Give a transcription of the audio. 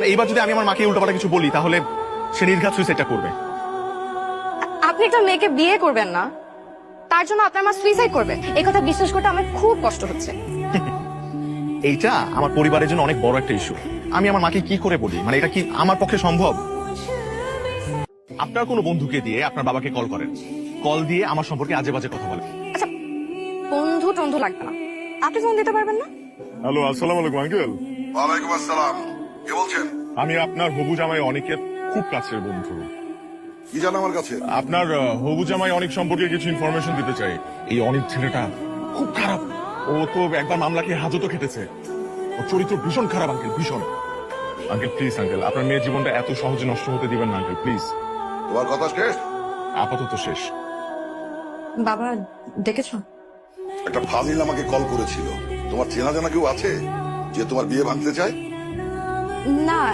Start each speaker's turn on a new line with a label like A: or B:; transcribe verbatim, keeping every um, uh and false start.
A: এইবার যদি আমি আমার মাকে উল্টোপাল্টা কিছু বলি তাহলে সে নির্ঘাত সুইসাইডটা করবে।
B: আপনি একটা মেয়েকে বিয়ে করবেন না, তার জন্য আপনার মা সুইসাইড করবে, এই কথা বিশ্বাস করতে আমার খুব কষ্ট হচ্ছে।
A: এইটা আমার পরিবারের জন্য অনেক বড় একটা ইস্যু। আমি আমার মাকে কি করে বলি, মানে এটা কি আমার পক্ষে সম্ভব? আপনার কোনো বন্ধুকে দিয়ে আপনার বাবাকে কল করেন, কল দিয়ে আমার সম্পর্কে আজে বাজে কথা বলেন।
B: আচ্ছা, বন্ধু টন্ধু লাগবে না, আপনি ফোন দিতে পারবেন না?
A: হ্যালো, আসসালামু আলাইকুম আঙ্কেল।
C: ওয়ালাইকুম আসসালাম। কে বলছেন?
A: আমি আপনার হবু জামাই অনেকের খুব কাছের বন্ধু।
C: কি জানো আমার কাছে?
A: আপনার আহ, হবু জামাই অনেক সম্পর্কে কিছু ইনফরমেশন দিতে চাই। এই অনেক ছেলেটা খুব খারাপ, ও তো একবার মামলাকে হাজতও খেটেছে। ও চরিত্র ভীষণ খারাপ আঙ্কেল, ভীষণ। আঙ্কেল প্লিজ আঙ্কেল, আপনার মেয়ের জীবনটা এত সহজে নষ্ট হতে দিবেন না আঙ্কেল, প্লিজ।
C: তোমার কথা শেষ?
A: আপাতত শেষ।
B: বাবা ডেকেছো?
C: একটা ফাজিল আমাকে কল করেছিল। তোমার চেনা জানা কেউ আছে যে তোমার বিয়ে ভাঙতে চায়?
B: না,